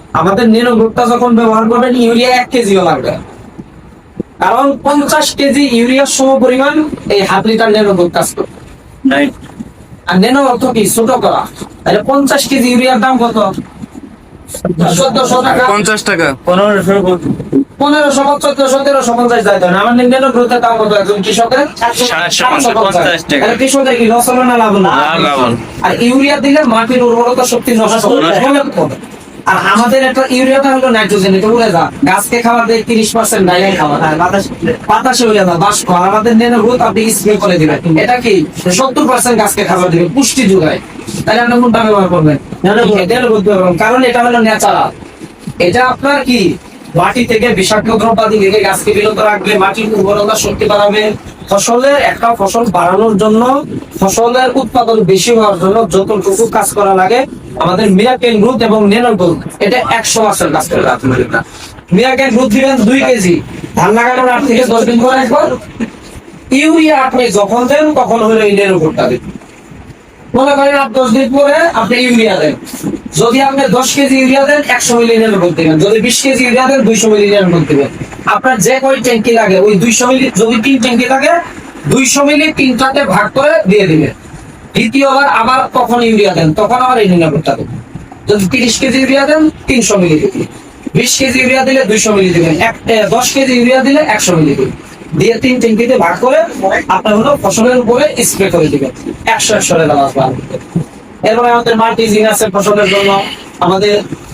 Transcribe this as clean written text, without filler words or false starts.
আমাদের ন্যানো গ্রুপটা যখন ব্যবহার করবেন ইউরিয়া 1 কেজিও লাগবে, কারণ 50 কেজি ইউরিয়ার সম পরিমাণ এই হাফ লিটার ন্যানো গ্রুপ কাজ করবে। আর ন্যানো অর্থ কি? ছোট করা। তাহলে 50 কেজি ইউরিয়ার দাম কত? 1400 টাকা। 50 টাকা। 1500 1350 যায়। আমার ন্যানো গ্রুপের দাম কত একজন কৃষকের? 750 টাকা। তাহলে কৃষকের কি লস হলো না লাভ হলো? লাভ হলো। আর ইউরিয়া দিলে মাটির উর্বরতা শক্তি নষ্ট হবে। আর আমাদের একটা ইউরিয়াটা হলো নাইট্রোজেন, এটা উড়ে যা, গাছকে খাবার দেয় 30% ডাইরেক্ট খাবার, বাতাসে উড়ে যা বাষ্প। আর আমাদের ন্যানো গ্রোথ আপনি স্প্রে করে দিবেন, এটা কি 70% গাছকে খাবার দিবে, পুষ্টি যোগায়। তাহলে আপনি কোনটা ব্যবহার করবেন? ন্যানো গ্রোথ ব্যবহার করবেন, কারণ এটা হলো ন্যাচারাল। এটা আপনার কি মাটি থেকে বিষাক্ত দ্রব্যাদি থেকে গাছকে বিরত রাখবে, মাটির উর্বরতা শক্তি বাড়াবে। ফসলের একটা ফসল বাড়ানোর জন্য, ফসলের উৎপাদন বেশি হওয়ার জন্য যতটুকু কাজ করা লাগে, আমাদের মিরাকেল গ্রোথ এবং ন্যানো গ্রোথ এটা 100% কাজ করে। মিরাকেল গ্রোথ দিবেন 2 কেজি, ধান লাগানোর 8 থেকে 10 দিন পরে একবার। ইউরিয়া আপনি যখন দেন তখন হলো এই ন্যানো গ্রোথটা দিবেন। মনে করেন 8-10 দিন পরে আপনি ইউরিয়া দেন। যদি আপনি 10 কেজি ইউরিয়া দেন 100 মিলি ন্যানো গ্রোথ দিবেন। যদি 20 কেজি ইউরিয়া দেন 200 মিলি ন্যানো গ্রোথ দিবেন। আপনার যে কয় ট্যাঙ্কি লাগে ওই 200 মিলি, যদি 3 ট্যাঙ্কি লাগে 200 মিলি 3টাতে ভাগ করে দিয়ে দিবেন। দ্বিতীয়বার আবার তখন ইউরিয়া দেন, তখন আবার এই ন্যানো গ্রোথটা দেবেন। যদি 30 কেজি ইউরিয়া দেন 300 মিলি দিবেন। 20 কেজি ইউরিয়া দিলে 200 মিলি দিবেন। 10 কেজি ইউরিয়া দিলে 100 মিলি দিবেন। দিয়ে 3 ট্যাঙ্কিতে ভাগ করে আপনার হলো ফসলের উপরে স্প্রে করে দিবেন। 100 দেওয়া আসবে। এরপরে আমাদের মাল্টিজিন আছে ফসলের জন্য, আমাদের